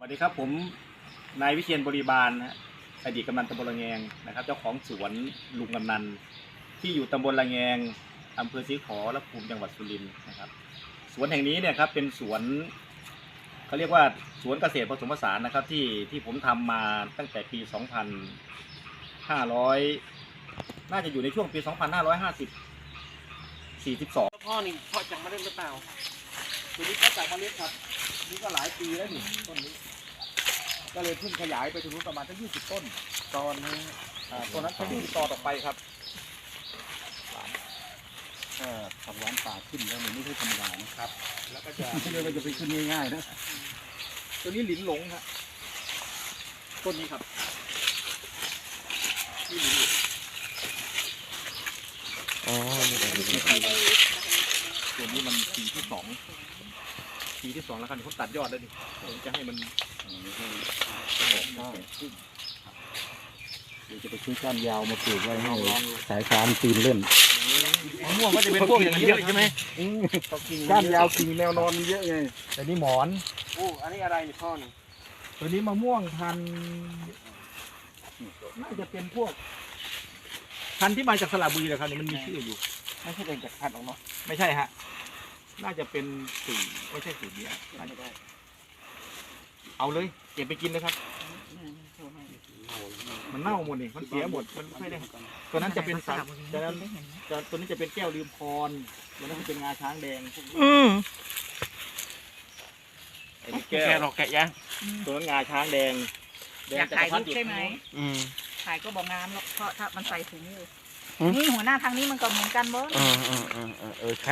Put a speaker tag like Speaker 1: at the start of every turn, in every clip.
Speaker 1: สวัสดีครับผมนายวิเชียรบริบาลนะอดีตกำนันตำบลละแงงนะครับเจ้าของสวนลุงกำนันที่อยู่ตำบลละแงงอำเภอศรีขอรภูมิจังหวัดสุรินทร์นะครับสวนแห่งนี้เนี่ยครับเป็นสวนเขาเรียกว่าสวนเกษตรผสมผสานนะครับที่ผมทำมาตั้งแต่ปี 2500 น่าจะอยู่ในช่วงปี 2542
Speaker 2: พ่อนี่เพาะจากเมล็ดหรือเปล่า
Speaker 1: ตัวนี้ก็จากเมล็ดครับนี่ก็หลายปีแล้วนี่ต้นนี้ก็เลยเพิ่งขยายไปถึงประมาณทั้ง20 ต้นตอนนี้ต้นนั้นเขา20 ต่อต่อไปครับทำร้านป่าขึ้นแล้วมันไม่ใช่ธรรมดานะครับแล้วก็จะไม่ใช่ว่าจะไปขึ้นง่ายๆนะตัวนี้หลินหลงครับต้นนี้ครับนี่หลินหลง
Speaker 2: อ๋อนี่เป็น
Speaker 1: ตัวนี้มันปีที่ 2แล้วครับเขาตัดยอดแล้วดิผมจะให้มันเดี๋ยวจะไปซื้อก้านยาวมาปลูกไว้ให้สายฟานปีนเล่นมะม่วงก็จะเป็นพวกอย่างนี้เยอะใช่ไหมก้านยาวกิ่งแนวนอนเยอะไงแต่นี่หมอน
Speaker 2: โอ้อันนี้อะไรนี่พ่อนี่
Speaker 1: ตัวนี้มะม่วงพันธุ์น่าจะเป็นพวกพันธุ์ที่มาจากสระบุรีนะครับนี่มันมีชื่ออยู่
Speaker 2: ไม่ใช่เป็นจากพันธุ์หรอกเนาะ
Speaker 1: ไม่ใช่ฮะน่าจะเป็นสูตรไม่ใช่สูตรนี้น่าจะได้เอาเลยเก็บไปกินนะครับมันเน่าหมดนี่มันเสียหมดมันไม่ค่อยได้ตัวนั้นจะเป็นสัตว์ตัวนี้จะเป็นแก้วลืมพรตัวนั้นจะเป็นงาช้างแดงพวกนี้ไอ้แก้
Speaker 2: แกะ
Speaker 1: ว
Speaker 2: หรอกแกะยัง
Speaker 1: ตัวนั้นงาช้างแดง
Speaker 3: อยากถ่ายรูปใช่ไหม
Speaker 2: ๆ
Speaker 3: ถ่ายก็บอกงามหรอกเพราะถ้ามันใส่ถุงอยู่นี่หัวหน้าทางนี้มันก็เหมือนกันบ่
Speaker 2: ใช่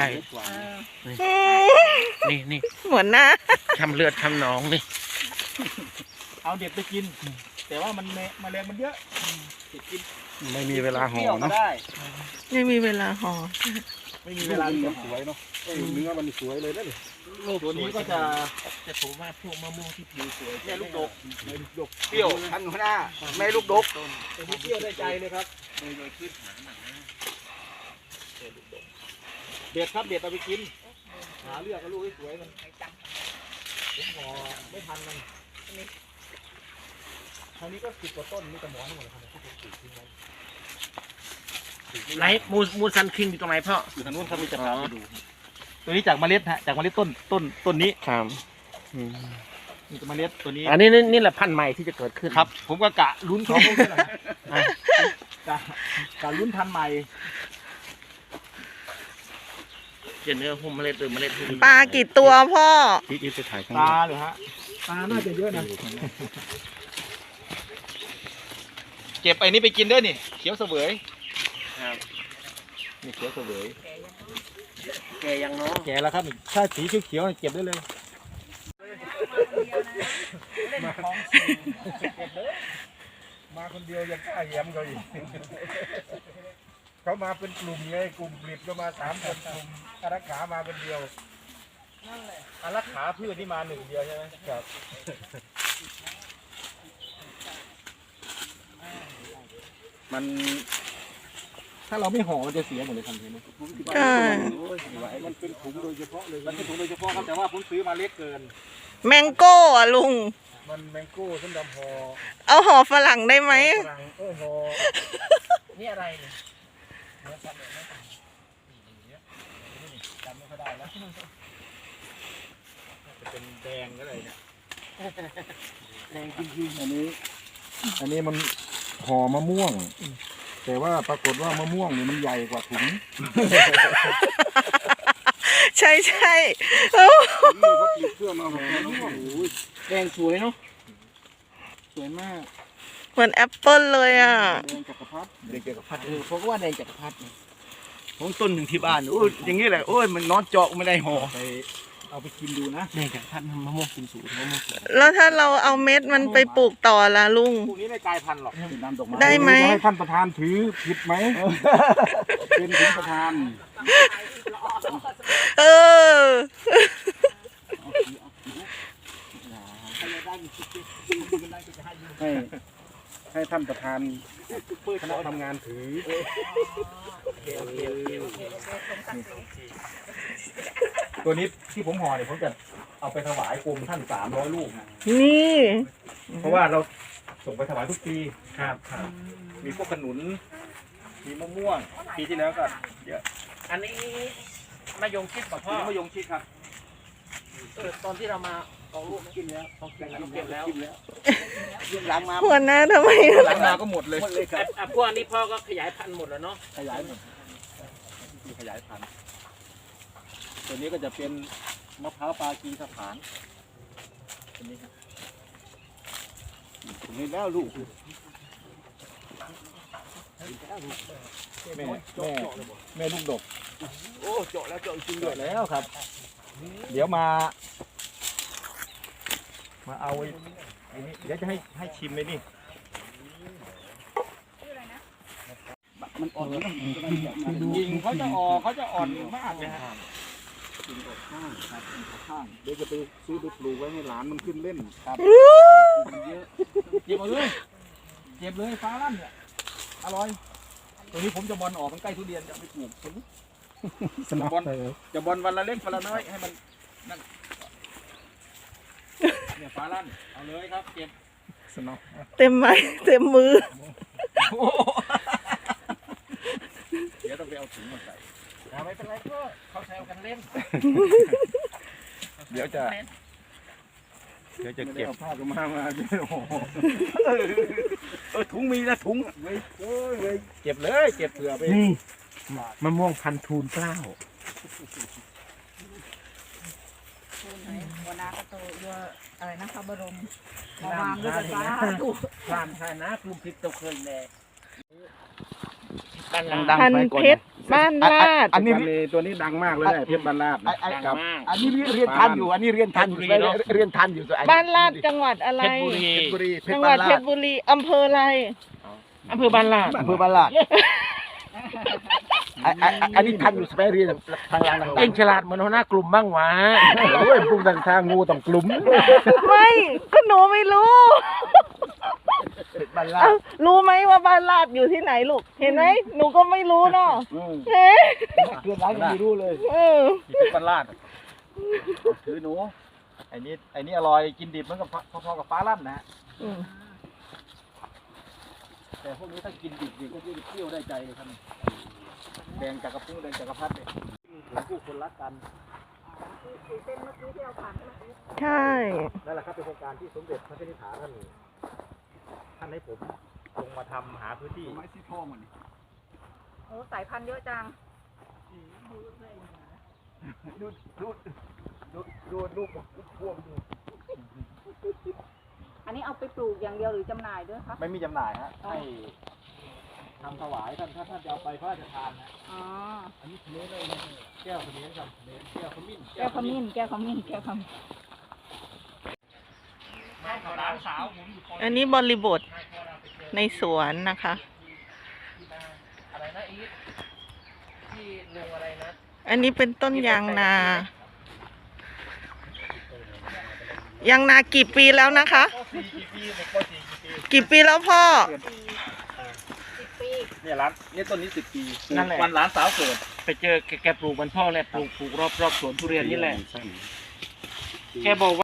Speaker 2: นี่
Speaker 4: หัวหน้า
Speaker 2: ทำเลือดทำหนองนี่
Speaker 1: เอาเด็ดไปกิน แต่ว่ามันแมลงมันเยอะเด็ดกิน
Speaker 2: ไม่มีเวลาห่อ
Speaker 1: เปรี้ยวก็
Speaker 2: เนาะ
Speaker 1: ได้
Speaker 4: ไม่มีเวลาห่อ
Speaker 1: ไม่มีเวลาเลี้ยง
Speaker 5: สวยเนาะเนื้อมันสวยเลยนะนี่
Speaker 1: ตัวนี้ก็จะ
Speaker 2: แต่ผมว่าพวกมะม่วงที่ผิวสวย
Speaker 1: แม่ลูกดกแม่ลูกดก
Speaker 5: เปรี้ยวทันหัวหน้าแม่ลูกดก
Speaker 1: ตัวนี้เปรี้ยวได้ใจเลยครับ
Speaker 2: โดยขึ้นหาหนักนะ
Speaker 1: เด็ดครับเด็ดเอาไปกินหาเลือกเอาลูกให้สวยมันผมห่อไม่ทันมันทางนี้ก็10 กว่าต้นมีแต่หมอนทั้งหมดเลยครับที่ผมปลูกทิ้งไว้
Speaker 2: ไรมูซันคิงอยู่ตรงไหนพ่อ
Speaker 1: อยู่ทางนู้นครับมีจะพาไปดูตัวนี้จากเมล็ดฮะจากเมล็ดต้นนี้
Speaker 2: ครับ
Speaker 1: มีเมล็ดตัวนี้
Speaker 2: อันนี้นี่แหละพันธุ์ใหม่ที่จะเกิดขึ้น
Speaker 1: ครับ ผมก็กะลุ้นของพวกนี้แหละกะลุ้นพันธุ์ใหม่
Speaker 2: จะเนื้อหุ้มเมล็ดหรือเมล็ดหุ้ม
Speaker 4: ปลากี่ตัวพ่อ
Speaker 2: ที่ไปถ่ายข้าง
Speaker 1: ตาเหรอฮะตาน่าจะเยอะนะเก็บไอ้นี้ไปกินด้วยนี่เขียวเสวย
Speaker 2: ครับ
Speaker 1: นี่เขียวเสวย
Speaker 2: แกยังเนาะ
Speaker 1: แก่แล้วครับนี่ถ้าสีเขียวๆเก็บได้เลยมาคนเดียวยังกล้าแย้มเขาอีกเขามาเป็นกลุ่มไงกลุ่มผลิตก็มา3 คนกลุ่มอารักขามาเป็นเดียวอารักขาพืชนี่มา1 เดียวใช่ไหมครับมันถ้าเราไม่ห่อมันจะเสียหมดเลยทันทีนะ
Speaker 4: ใช่
Speaker 5: มันเป็นถุงโดยเฉพาะเลย
Speaker 1: มันเป็นถุงโดยเฉพาะครับแต่ว่าผมซื้อมาเล็กเกิน
Speaker 4: แมงโก้อะลุง
Speaker 5: มันแมงโก้ส้มดำห่อ
Speaker 4: เอาห่อฝรั่งได้ไหม
Speaker 5: ฝรั่งห่อ
Speaker 2: นี่อะไรเนี่ย
Speaker 1: จำไม่ค่อยได้แล้วจะเป็นแดงก็เลยเนี่ย
Speaker 5: แดงจริงๆอันนี้มันห่อมะม่วง แต่ว่าปรากฏว่ามะม่วงเนี่ยมันใหญ่กว่าถุง
Speaker 4: ใช่ใช่
Speaker 5: นี่เขาผลิตเพื่อมาห่อมะม่วงโอ้ย
Speaker 2: แดงสวยเนาะสวยมาก
Speaker 4: เหมือนแอปเปิลเลยอ่ะ
Speaker 5: แดงจักรพรรดิ
Speaker 1: เด็กเกี่ยวกับพัด
Speaker 2: ผมก็ว่าแดงจักรพรรดิผมต้นหนึ่งที่บ้านโอ้ยอย่างนี้แหละโอ้ยมันนอนเจาะไม่ได้ห่อ
Speaker 1: ไปเอาไปกินดูนะ
Speaker 2: แดงจักรพรรดิมะม่วงกินสูตรมะม่วงสวย
Speaker 4: แล้วถ้าเราเอาเม็ดมันไปปลูกต่อล่ะลุง
Speaker 1: พวกนี้ไม่กลายพันธุ์หรอก
Speaker 5: เป็นน้ำดอกไม้
Speaker 4: ได้ไหม
Speaker 5: จะให้ท่านประธานถือผิดไหม เป็นถึงประธาน
Speaker 4: เออ
Speaker 5: ให้ท่านประธานคณะทำงานถือ
Speaker 1: ตัวนี้ที่ผมห่อเนี่ยผมจะเอาไปถวายกรมท่าน300 ลูกฮะ
Speaker 4: นี่
Speaker 1: เพราะว่าเราส่งไปถวายทุกปีครับมีพวกขนุน มีมะม่วง ปีที่แล้วก็เยอะ
Speaker 2: อันนี้มะยงชิดกับพ่อ
Speaker 1: มีมะยงชิดครับ
Speaker 2: ตอนที่เรามาเอาลูกกินแล้วเขากินแล้วหลังมา
Speaker 4: หัวหน้าทำไม
Speaker 1: หลังมาก็หมดเลย
Speaker 2: พวกนี้พ่อก็ขยายพันธุ์หมดแล้วเนาะ
Speaker 1: ขยายหมดมีขยายพันธุ์ตัวนี้ก็จะเป็นมะพร้าวปากีสถานตัวนี้ครับ
Speaker 5: นี่แล้วลูก
Speaker 1: แม่ลูกดก
Speaker 2: โอ้เจาะแล้วเจาะจริง
Speaker 1: เดือดแล้วครับ เดี๋ยวมาเอาไอ้นี่เดี๋ยวจะให้ชิมเลยนี่
Speaker 5: มันอ่อนแล้ว
Speaker 1: ยิงเขาจะอ่อนมากเลยฮะ
Speaker 5: ข้างเดี๋ยวจะไปซื้อไปปลูกไว้ให้หลานมันขึ้นเล่นครับ
Speaker 1: เก็บเอาเลยเก็บเลยฟ้าลั่นเนี่ยอร่อยตัวนี้ผมจะบอลออกมันใกล้ทุเรียนจะเอาไปปลูกตัวนี้
Speaker 5: สนับเลย
Speaker 1: จะบอลวันละเล็กวันละน้อยให้มันนั่นเนี่ยฟ้าลั่นเอาเลยครับเก็บ
Speaker 5: สนับ
Speaker 4: เต็มไม้เต็มมือ
Speaker 1: เดี๋ยวต้องไปเอาถุงมาใส่
Speaker 2: ไม่เป็นไรก็เขาแซวกันเล่น
Speaker 1: เดี๋ยวจะเก็บ
Speaker 5: เอาผ้าก็มาโอ้โห
Speaker 1: ถุงมีนะถุง
Speaker 5: เว้ย
Speaker 1: เก็บเลยเก็บเผื่อไป
Speaker 2: นี่มะม่วงพันทูลเกล้า
Speaker 3: หัวหน้าก็โตเยอะอะไรนะพระบรมมาวางด้วยกันสาธุ
Speaker 2: พรามชายนะกลุ่มพิษเจ้าเคยแน่
Speaker 4: พันเพชรบ้านลาด
Speaker 5: อันนี้ตัวนี้ดังมากเลยเพชรบรรลาด
Speaker 2: ดังมาก
Speaker 5: อันนี้เรียนทันอยู่เรียนทันอยู่ตัว
Speaker 4: บ้านลาดจังหวัดอะไร
Speaker 2: เพชรบุรี
Speaker 4: จังหวัดเพชรบุรีอำเภออะไร
Speaker 2: อำเภอบ้านลาด
Speaker 5: อำเภอบรรลาดอันนี้ทันอยู่สเปรเรียนทางล่าง
Speaker 2: เอ็งฉลาดเหมือนหัวหน้ากลุ่มบ้างวะ
Speaker 5: โอ้ยพวกทางงูต้องกลุ่ม
Speaker 4: ไม่ก็หนูไม่รู้
Speaker 5: บรรลา
Speaker 4: เอ้า
Speaker 5: ด
Speaker 4: รู้ไหมว่าบ้านลาดอยู่ที่ไหนลูก เห็นไหมหนูก็ไม่รู้เนาะเฮ้ย
Speaker 5: เพื่อนร้านยังไม่รู้เลย
Speaker 4: เออ
Speaker 1: ที่เป็นบรรลาดถือหนูไอ้นี่อร่อยกินดิบเหมือนกับพอๆกับฟ้าลั่นนะฮะ
Speaker 4: อืม
Speaker 1: แต่พวกนี้ถ้ากินดิบก็จะเที่ยวได้ใจเลยครับแดงจักรพุ้งแดงจักรพรรดิเนี่ยผู้คนรักกัน
Speaker 4: ใช่
Speaker 1: นั่นแหละครับเป็นโครงการที่สมเด็จพระนิธิถาท่านให้ผมลงมาทำหาพื้นที่
Speaker 5: ไม้ที่พ่อมัน
Speaker 3: โอ้สายพันธุ์เยอะจัง
Speaker 5: ดูลูกพวงดู
Speaker 3: อันนี้เอาไปปลูกอย่างเดียวหรือจำหน่ายด้วยคะ
Speaker 1: ไม่มีจำหน่ายฮะให้ทำถวายท่านถ้าท่านจะเอาไปพระราชทานนะ
Speaker 3: อ๋อ
Speaker 1: อันนี้เนื้อเลยนะแก้วขมิ้นครับแก้วขมิ้น
Speaker 3: แก้วขมิ้นแก้วขมิ้นแก้วขมิ้น
Speaker 1: หลานสาวผมอยู่
Speaker 4: อันนี้บริบทในสวนนะคะ
Speaker 2: อะไรนะอีทที่ลุงอะไรนะ
Speaker 4: อันนี้เป็นต้นยางนา ยางนากี่ปีแล้วนะคะ
Speaker 1: ป .4 กี่ปีเด็กป .4 กี่ปี
Speaker 4: กี่ปีแล้วพ่อ
Speaker 3: 10 ปี
Speaker 1: เนี่ยร้านเนี่ยต้นนี้10 ปี
Speaker 2: นั่นแหละ
Speaker 1: วันหลานสาวเกิด
Speaker 2: ไปเจอแกปลูกมันพ่อแหละปลูกรอบสวนทุเรียนนี่แหละ แกบอกว่า